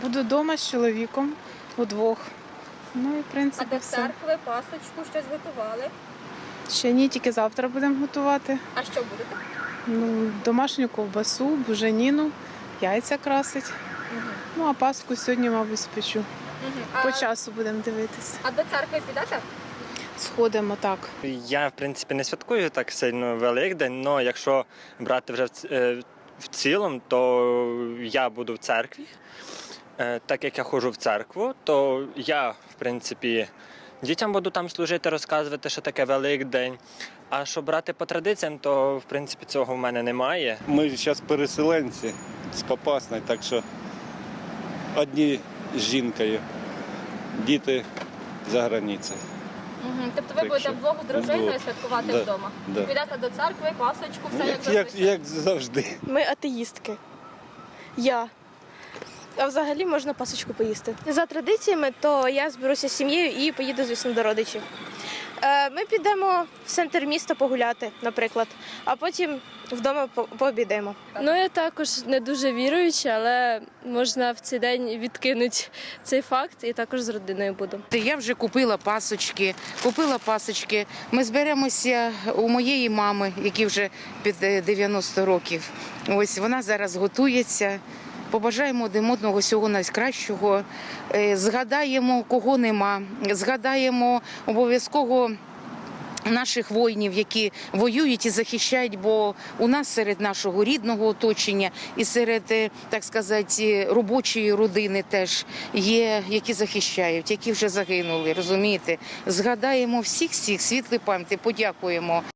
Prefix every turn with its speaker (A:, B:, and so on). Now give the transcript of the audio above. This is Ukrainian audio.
A: Буду вдома з чоловіком удвох. Ну і в принципі
B: А до
A: все.
B: церкви, пасочку щось готували?
A: Ще ні, тільки завтра будемо готувати.
B: А що будете?
A: Ну, домашню ковбасу, буженіну, яйця красить. Ну а паску сьогодні, мабуть, спечу. По часу будемо дивитися.
B: А до церкви підете?
A: Сходимо так.
C: Я, в принципі, не святкую так сильно Великдень, але якщо брати вже в цілому, то я буду в церкві. Так як я ходжу в церкву, то я, в принципі, дітям буду там служити, розказувати, що таке Великдень. А що брати по традиціям, то, в принципі, цього в мене немає.
D: Ми зараз переселенці з Попасної, так що одні з жінкою, діти за границею.
B: Тобто ви
D: Так
B: будете
D: що
B: вдвох з дружиною
D: вдвох.
B: святкувати
D: Да,
B: вдома?
D: да.
B: Підете до церкви, пасочку, все як зазвичай?
D: Як завжди.
E: Ми атеїстки. Я. А взагалі можна пасочку поїсти. За традиціями, то я зберуся з сім'єю і поїду, звісно, до родичів. Ми підемо в центр міста погуляти, наприклад, а потім вдома пообідаємо.
F: Ну, я також не дуже віруюча, але можна в цей день відкинути цей факт і також з родиною буду.
G: Я вже купила пасочки. Ми зберемося у моєї мами, якій вже під 90 років. Ось вона зараз готується. Побажаємо один одного всього найкращого, згадаємо, кого нема, згадаємо обов'язково наших воїнів, які воюють і захищають, бо у нас серед нашого рідного оточення і серед, так сказати, робочої родини теж є, які захищають, які вже загинули, розумієте? Згадаємо всіх світлої пам'яті, подякуємо